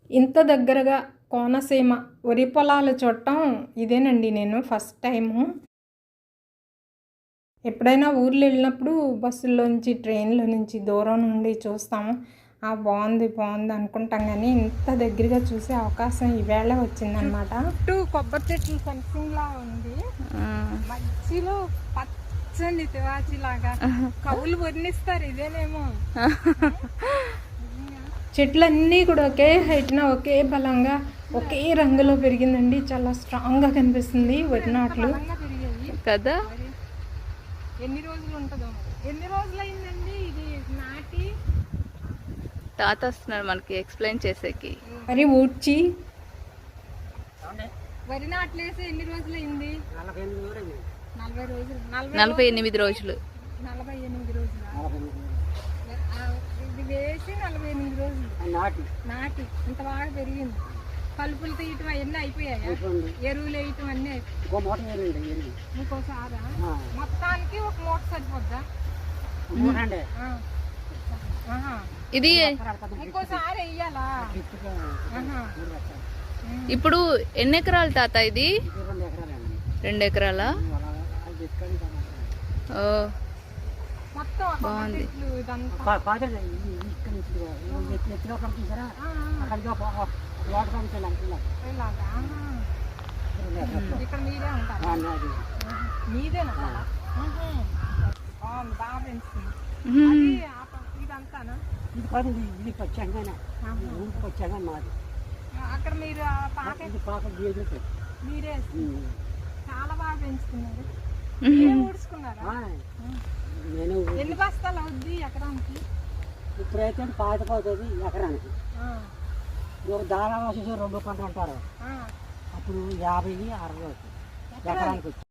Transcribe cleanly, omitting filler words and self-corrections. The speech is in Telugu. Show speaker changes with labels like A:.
A: ఇంత దగ్గరగా కోనసీమ వరి పొలాలు చూడటం ఇదేనండి నేను ఫస్ట్ టైము. ఎప్పుడైనా ఊర్లు వెళ్ళినప్పుడు బస్సుల్లోంచి ట్రైన్లో నుంచి దూరం నుండి చూస్తాము. బాగుంది బాగుంది అనుకుంటాం, కానీ ఇంత దగ్గరగా చూసే అవకాశం ఈవేళ వచ్చిందనమాట. చుట్టూ కొబ్బరి చెట్లు ఫెన్సింగ్లా ఉంది, మధ్యలో పచ్చని తివాచిలాగా కవులు వర్ణిస్తారు ఇదేనేమో. చెట్లన్నీ కూడా ఒకే హైట్న ఒకే బలంగా ఒకే రంగులో పెరిగిందండి. చాలా స్ట్రాంగ్గా కనిపిస్తుంది వరి నాట్లు
B: కదా.
A: ఎన్ని రోజులు ఉంటుందో, ఎన్ని రోజులు అయిందండి ఇది నాటి?
B: తాత వస్తున్నాడు మనకి ఎక్స్ప్లెయిన్ చేసేకి.
A: మరి ఊడ్చి వరి నాట్లేసి ఎన్ని రోజులు అయింది?
B: 48 రోజులు.
A: 48 రోజులు. ఇది వేసి 48 రోజులు నాటి ఇంత బాగా పెరిగింది. కలుపులు తీయటం అవన్నీ అయిపోయాయి, ఎరువులు వేయటం అన్నీ ఇంకోసారా? మొత్తానికి ఒక మూట సరిపోద్దా?
B: ఇది
A: ఇంకోసారి వెయ్యాలా?
B: ఇప్పుడు ఎన్ని ఎకరాలు తాత ఇది? 2 ఎకరాలా? బాగుంది.
A: ఇక్కడ మీరే ఉంటారా? మీదేనా? బాగా పెంచుతుంది. ఇదంతానా? అక్కడ మీరు మీరే చాలా బాగా పెంచుతున్నారు. ఊడ్చుకున్నారా? ఎన్ని బస్తాలు అవుద్ది ఎకరానికి?
C: ఇప్పుడైతే పాతిపోతుంది ఎకరానికి. దాదాపు 2 పంటలు అంటారు, అప్పుడు 50-60 ఎకరానికి.